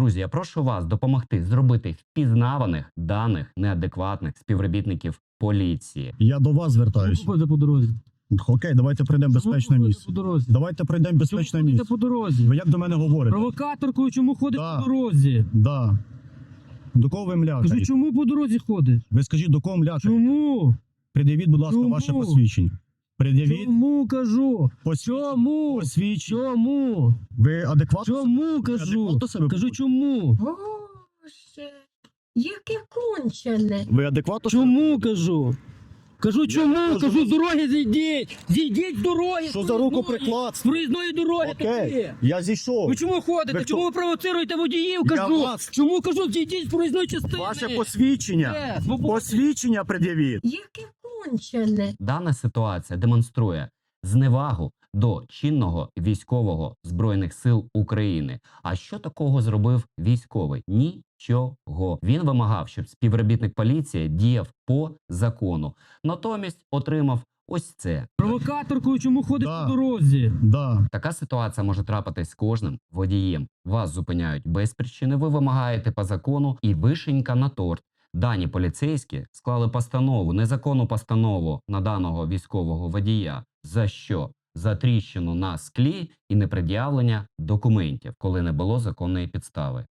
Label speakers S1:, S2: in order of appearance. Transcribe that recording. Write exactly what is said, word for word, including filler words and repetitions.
S1: Друзі, я прошу вас допомогти зробити впізнаваних даних неадекватних співробітників поліції.
S2: Я до вас звертаюся.
S3: Ходите по дорозі.
S2: Окей, давайте пройдемо безпечне
S3: Чому
S2: місце.
S3: ходите по дорозі?
S2: Давайте пройдемо безпечне
S3: Чому ходите
S2: місце.
S3: по дорозі?
S2: Ви як до мене говорите?
S3: Провокаторкою чому ходиш
S2: Да.
S3: по дорозі?
S2: Да. До кого ви
S3: Кажу,
S2: млякаєте?
S3: чому по дорозі ходиш?
S2: Ви скажіть, до кого млякаєте?
S3: Чому?
S2: Пред'явіть, будь ласка,
S3: Чому?
S2: ваше посвідчення. Пред'явіть
S3: Чому кажу?
S2: посвідчення.
S3: Чому?
S2: Посвідчення.
S3: Чому?
S2: Ви адекватно?
S3: Чому
S2: ви
S3: кажу?
S2: адекватно себе
S3: Кажу,
S2: поводите?
S3: чому?
S4: Боже, яке кончене.
S2: Ви адекватно? себе
S3: Чому
S2: поводите?
S3: кажу? Кажу, чому?
S2: кажу,
S3: Кажу, з дороги зійдіть! Зійдіть з дороги!
S2: Що
S3: з
S2: за руку
S3: проїзної-
S2: приклад?
S3: З проїзної дороги
S2: Окей,
S3: такі!
S2: я зійшов.
S3: Ви чому ходите?
S2: Ви
S3: Чому
S2: хто?
S3: ви провоцируєте водіїв?
S2: Я
S3: Кажу!
S2: вас-
S3: Чому кажу, зійдіть з проїзної частини?
S2: Ваше посвідчення.
S3: Е, свобода.
S2: Посвідчення пред'явіть.
S4: Яке кончене.
S1: Дана ситуація демонструє зневагу до чинного військового Збройних сил України. А що такого зробив військовий? Нічого. Він вимагав, щоб співробітник поліції діяв по закону. Натомість отримав ось це.
S3: Провокаторкою чому ходиш
S2: Да.
S3: по дорозі?
S2: Да.
S1: Така ситуація може трапитись з кожним водієм. Вас зупиняють без причини, ви вимагаєте по закону і вишенька на торт. Дані поліцейські склали постанову, незаконну постанову на даного військового водія. За що? За тріщину на склі і непред'явлення документів, коли не було законної підстави.